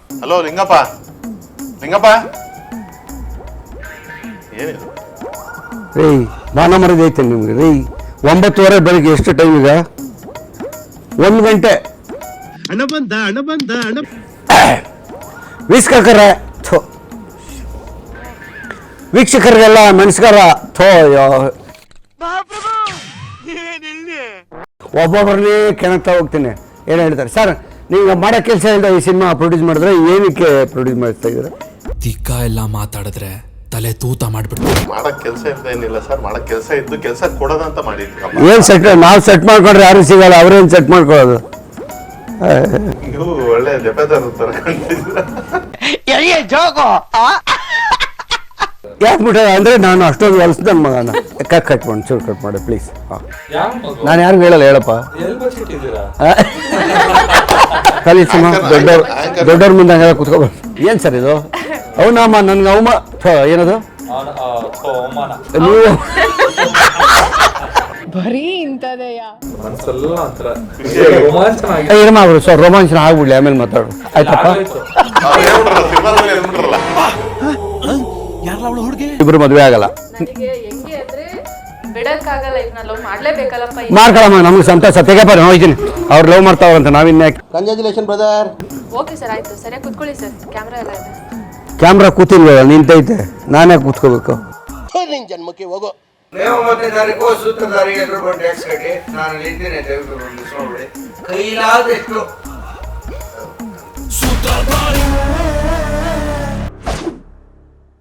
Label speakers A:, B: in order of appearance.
A: Hello Lingappa, Lingappa ಏನಿದು
B: ರೀ? ಮಾನ ಮರದಿ ಐತೆ ನಿಮ್ಗೆ ರೀ. 9:30 ಬೆಳಿಗ್ಗೆ. ಎಷ್ಟು ಟೈಮ್ ಈಗ? 1 ಗಂಟೆ.
C: ಹಣ ಬಂದ
B: ವೀಕ್ಷಕರಿಗೆಲ್ಲ ನಮಸ್ಕಾರ. ಒಬ್ಬೊಬ್ಬರನ್ನೇ ಕೆಣಕ್ತಾ ಹೋಗ್ತೀನಿ. ಏನು ಹೇಳ್ತಾರೆ ಸರ್, ನೀವು ಮಾಡೋ ಕೆಲಸ ಇಲ್ಲದೆ ಈ ಸಿನಿಮಾ ಪ್ರೊಡ್ಯೂಸ್ ಮಾಡಿದ್ರೆ ಏನಕ್ಕೆ ಪ್ರೊಡ್ಯೂಸ್ ಮಾಡ್ತಾ ಇದ್ದೀರಾ?
D: ತಿಕ್ಕ ಎಲ್ಲ ಮಾತಾಡಿದ್ರೆ ತಲೆ ತೂತ ಮಾಡ್ಬಿಡ್ತೀವಿ.
A: ಮಾಡಕ್ ಕೆಲಸ ಏನಿಲ್ಲ ಸರ್, ಮಾಡಕ್ ಕೆಲಸ ಇದ್ದು ಕೆಲಸ ಕೊಡೋದಂತ ಮಾಡಿದ್ವಿ.
B: ಏನು ಸೆಟ್? ನಾವು ಸೆಟ್ ಮಾಡ್ಕೊಂಡ್ರೆ ಯಾರು ಸಿಗಲ್ಲ, ಅವ್ರೇನು ಸೆಟ್ ಮಾಡ್ಕೊಳ್ಳೋದು?
A: ನೀವು ಒಳ್ಳೆ ಜಪದಾರ ತರ ಕಾಣ್ತಿದ್ದೀರಾ.
B: ಯಾಕೆ ಬಿಟ್ಟ ಅಂದರೆ ನಾನು ಅಷ್ಟೊಂದು ಹೊಲ್ಸ್ ನನ್ನ ಮಗನ ಕಟ್ ಮಾಡಿ ಚೂರು ಕಟ್ ಮಾಡಿ ಪ್ಲೀಸ್. ನಾನು ಯಾರಿಗೂ ಹೇಳಲ್ಲ, ಹೇಳಪ್ಪ. ಕಲೀಸಮ್ಮ ದೊಡ್ಡವ್ರ ಮುಂದೆ ಹಂಗೆಲ್ಲ ಕುತ್ಕೋಬಾರ್ದು. ಏನು ಸರ್ ಇದು? ಅವನಮ್ಮ ನನ್ಗೆ ಏನದು ನೀವು
E: ಬರೀ ಇಂಥದೆಯಾ?
B: ಏನಮ್ಮ ಸರ್, ರೋಮಾಂಚನ ಆಗ್ಬಿಡ್ಲಿ, ಆಮೇಲೆ ಮಾತಾಡು ಆಯ್ತಪ್ಪ. ಇಬ್ರು ಮದುವೆ ಆಗಲ್ಲ, ಮಾಡ್ಕೊಳಮ್ಮ. ನಮ್ಗೆ ಸಂತೋಷ. ತೆಗೆಪ್ಪ, ಹೋಗ್ತೀನಿ. ಅವ್ರು ಲವ್ ಮಾಡ್ತಾವ್ರಂತ, ನಾವಿನ್ಯಾಕೆ? Congratulation brother.
E: ಓಕೆ ಸರ್, ಆಯ್ತು. ಸರಿಯಾಗಿ ಕೂತ್ಕೊಳ್ಳಿ ಸರ್. ಕ್ಯಾಮ್ರಾ ಎಲ್ಲ ಇದೆ.
B: ಕ್ಯಾಮ್ರಾ ಕೂತಿಲ್ವಲ್ಲ, ನಿಂತೈತೆ. ನಾನೇ ಕೂತ್ಕೋಬೇಕು.
F: ನಿನ್ ಜನ್ಮಕ್ಕೆ ಹೋಗೋ.
G: ನೀವು 1ನೇ ತಾರೀಕು ಸೂತ್ರಧಾರಿ ಎಲ್ಲರೂ ಬಂದು ಟ್ಯಾಕ್ಸ್ ಕಟ್ಟಿ. ನಾನು ಇಲ್ಲಿದ್ದೇನೆ, ದಯವಿಟ್ಟು ನೋಡಿ. ಕೈಲಾದಷ್ಟು